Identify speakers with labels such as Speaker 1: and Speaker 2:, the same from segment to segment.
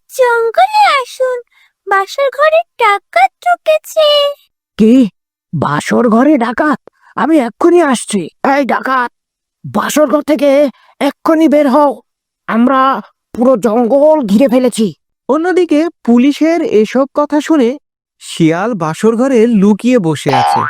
Speaker 1: জঙ্গলে আসুন, বাসর ঘরে ডাকাত ঢুকেছে।
Speaker 2: কি? বাসর ঘরে ডাকাত? আমি এক্ষুনি আসছি। এই ডাকাত, বাসর ঘর থেকে এক্ষুনি বের হও। আমরা পুরো জঙ্গল ঘিরে ফেলেছি।
Speaker 3: অন্যদিকে পুলিশের এসব কথা শুনে শিয়াল বাসর ঘরে লুকিয়ে বসে আছে।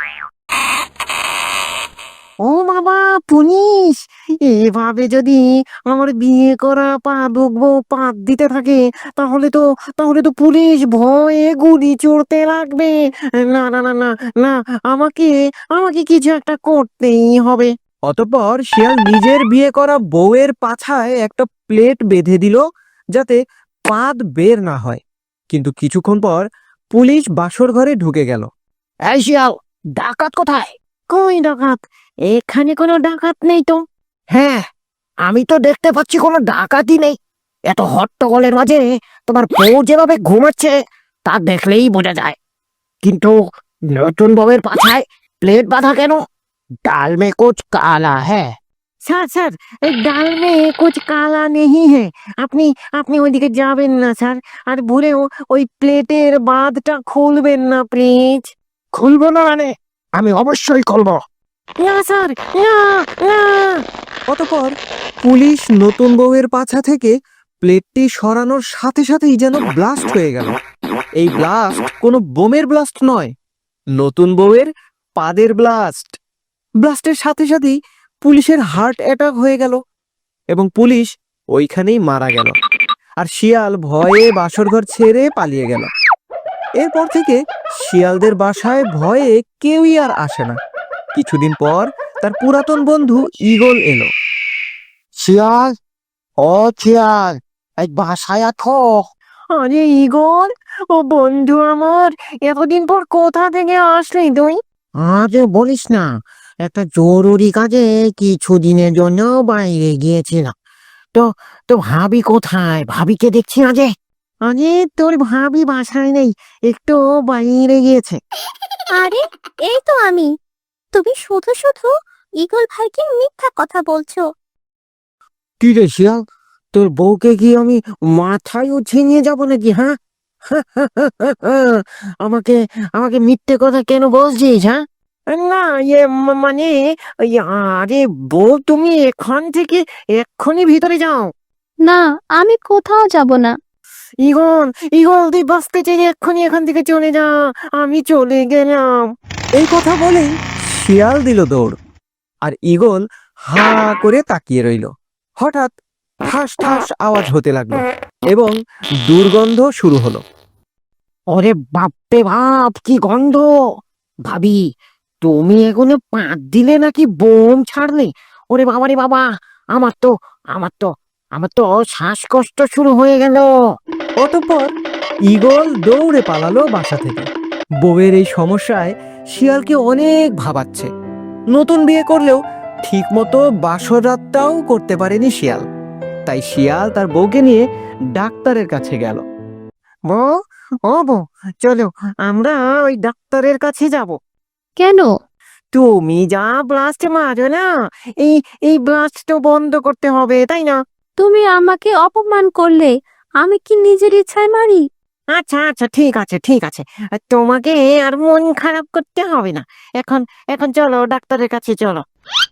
Speaker 2: ও বাবা, পুলিশ! এভাবে যদি আমার বিয়ে করা পা ডুববো পাত দিতে থাকে, তাহলে তো পুলিশ ভয়ে গুলি চড়তে লাগবে। না না না না না, আমাকে আমাকে কিছু একটা করতেই হবে।
Speaker 3: অতঃপর শিয়াল নিজের বিয়ে করা বউয়ের পাছায় একটা প্লেট বেঁধে দিল যাতে পাদ বের না হয়। কিন্তু কিছুক্ষণ পর পুলিশ বাসর ঘরে ঢুকে গেল।
Speaker 2: এই শিয়াল, ডাকাত কোথায়? কই ডাকাত? এখানে কোনো ডাকাত নেই তো। হ্যাঁ, আমি তো দেখতে পাচ্ছি কোনো ডাকাতই নেই। এত হট্টগোলের মাঝে তোমার বউ যেভাবে ঘুমাচ্ছে তা দেখলেই বোঝা যায়। কিন্তু নতুন বউয়ের পাছায় প্লেট বাঁধা কেন? ডাল মে কুছ কালা হ্যাঁ। স্যার স্যার, এই ডাল মে কুছ কালা নেহি হ্যাঁ। আপনি আপনি ওইদিকে যাবেন না স্যার। আর ভুলেও ওই প্লেটের বাঁধটা খুলবেন না প্লিজ। খুলবো না মানে? আমি অবশ্যই খুলবো। না স্যার, না না।
Speaker 3: অতঃপর পুলিশ নতুন বউয়ের পাছা থেকে প্লেটটি সরানোর সাথে সাথেই যেন ব্লাস্ট হয়ে গেল। এই ব্লাস্ট কোনো বোমের ব্লাস্ট নয়, নতুন বউয়ের পাদের ব্লাস্ট। ব্লাস্টের সাথে সাথেই পুলিশের হার্ট অ্যাটাক হয়ে গেল এবং পুলিশ ওইখানেই মারা গেল। আর শিয়াল ভয়ে বাসরঘর ছেড়ে পালিয়ে গেল। এরপর থেকে শিয়ালদের বাসায় ভয়ে কেউই আর আসে না। কিছুদিন পর তার পুরাতন বন্ধু ঈগল এলো।
Speaker 2: শিয়াল, ও শিয়াল, এই বাসায় আছো? আরে ঈগল, ও বন্ধু আমার, এতদিন পর কোথা থেকে আসলি তুই? আজ বলিস না, একটা জরুরি কাজে কিছুদিনের জন্য বাইরে গিয়েছিলাম। তো তো ভাবি কোথায়? ভাবিকে দেখছি না যে। আরে তোর ভাবি বাসায় নেই, একটু বাইরে গিয়েছে।
Speaker 1: আরে, এই তো আমি। তুমি শুধু শুধু ঈগল ভাইকে মিথ্যা কথা বলছো।
Speaker 2: কি রে শিয়াল, তোর বউকে কি আমি মাথায় উঠিয়ে নিয়ে যাবো নাকি? হ্যাঁ, আমাকে আমাকে মিথ্যে কথা কেন বলছিস? হ্যাঁ, না মানে ওই, আরে বউ, তুমি এখান থেকে এক্ষুনি ভিতরে যাও।
Speaker 1: না, আমি কোথাও যাব না।
Speaker 2: ইগল, ইগল, তুই বাঁচতে চাই এক্ষুনি এখান থেকে চলে যা। আমি চলে গেলাম।
Speaker 3: এই কথা বলেই শিয়াল দিল দৌড়, আর ঈগল হা করে তাকিয়ে রইল। হঠাৎ ঠাস ঠাস আওয়াজ হতে লাগলো এবং দুর্গন্ধ শুরু হলো।
Speaker 2: ওরে বাপরে বাপ, কি গন্ধ! ভাবি, তুমি এগুলো পাত দিলে নাকি বোম ছাড়লে? ওরে বাবা রে বাবা, আমার তো আমার তো আমার তো শ্বাসকষ্ট শুরু হয়ে গেল।
Speaker 3: অতঃপর ঈগল দৌড়ে পালালো বাসা থেকে। বউয়ের এই সমস্যায় শিয়ালকে অনেক ভাবাচ্ছে। নতুন বিয়ে করলেও ঠিক মতো বাসর রাতটাও করতে পারেনি শিয়াল। তাই শিয়াল তার বউকে নিয়ে ডাক্তারের কাছে গেল।
Speaker 2: বউ, ও বউ, চলো আমরা ওই ডাক্তারের কাছে যাব।
Speaker 1: কেন?
Speaker 2: তুমি যা ব্লাস্ট মারো না, এই এই ব্লাস্ট তো বন্ধ করতে হবে, তাই না?
Speaker 1: তুমি আমাকে অপমান করলে, আমি কি নিজের ইচ্ছায় মারি?
Speaker 2: আচ্ছা আচ্ছা, ঠিক আছে ঠিক আছে। তোমাকে আর মন খারাপ করতে হবে না। এখন এখন চলো ডাক্তারের কাছে চলো।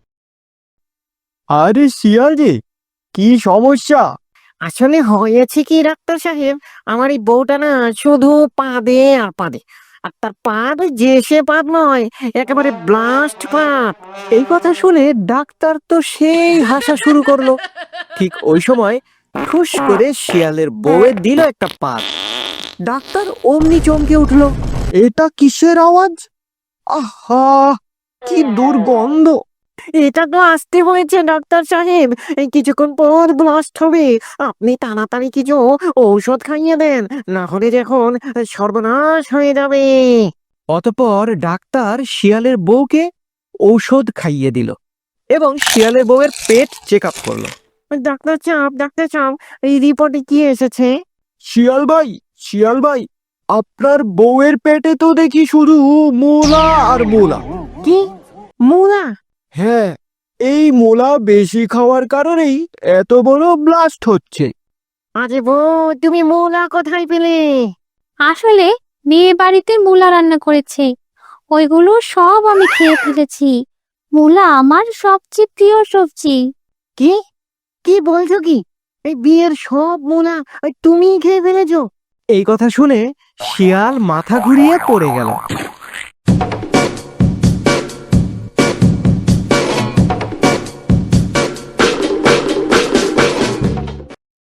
Speaker 3: আরে শিয়াল রে, কি সমস্যা?
Speaker 2: আসলে হয়েছে কি ডাক্তার সাহেব, আমার এই বউটা না শুধু পাদে আর পাদে। আর তার পাদ যে সে পাদ নয়, একেবারে ব্লাস্ট পাদ।
Speaker 3: এই কথা শুনে ডাক্তার তো সেই হাসা শুরু করলো। ঠিক ওই সময় ঠুস করে শিয়ালের বউয়ে দিল একটা পাত। ডাক্তার অমনি চমকে উঠলো। এটা কিসের আওয়াজ? আহা, কি দুর্গন্ধ!
Speaker 2: এটা তো আসতে হয়েছে ডাক্তার সাহেব, এই কিছুক্ষণ পর ব্লাস্ট হবে। আপনি তাড়াতাড়ি কিছু ঔষধ খাইয়ে দেন, না হলে যখন সর্বনাশ হয়ে যাবে।
Speaker 3: অতঃপর ডাক্তার শিয়ালের বউকে ঔষধ খাইয়ে দিল এবং শিয়ালের বউয়ের পেট চেক আপ করলো।
Speaker 2: ডাক্তার চাপ, এই রিপোর্টে কি এসেছে?
Speaker 3: শিয়াল ভাই, আপনার বউয়ের পেটে তো দেখি শুধু মোলা আর মোলা।
Speaker 2: কি? মুলা?
Speaker 3: হ্যাঁ, এই মোলা বেশি খাওয়ার কারণেই এত বড় ব্লাস্ট হচ্ছে।
Speaker 2: আরে বউ, তুমি মূলা কোথায় পেলে?
Speaker 1: আসলে মেয়ে বাড়িতে মূলা রান্না করেছে, ওইগুলো সব আমি খেয়ে ফেলেছি। মূলা আমার সবচেয়ে প্রিয় সবজি।
Speaker 2: কি কি বলছো কি? এই বিয়ের সব মূলা ওই তুমিই খেয়ে ফেলেছো?
Speaker 3: এই কথা শুনে শিয়াল মাথা ঘুরিয়ে পড়ে গেল।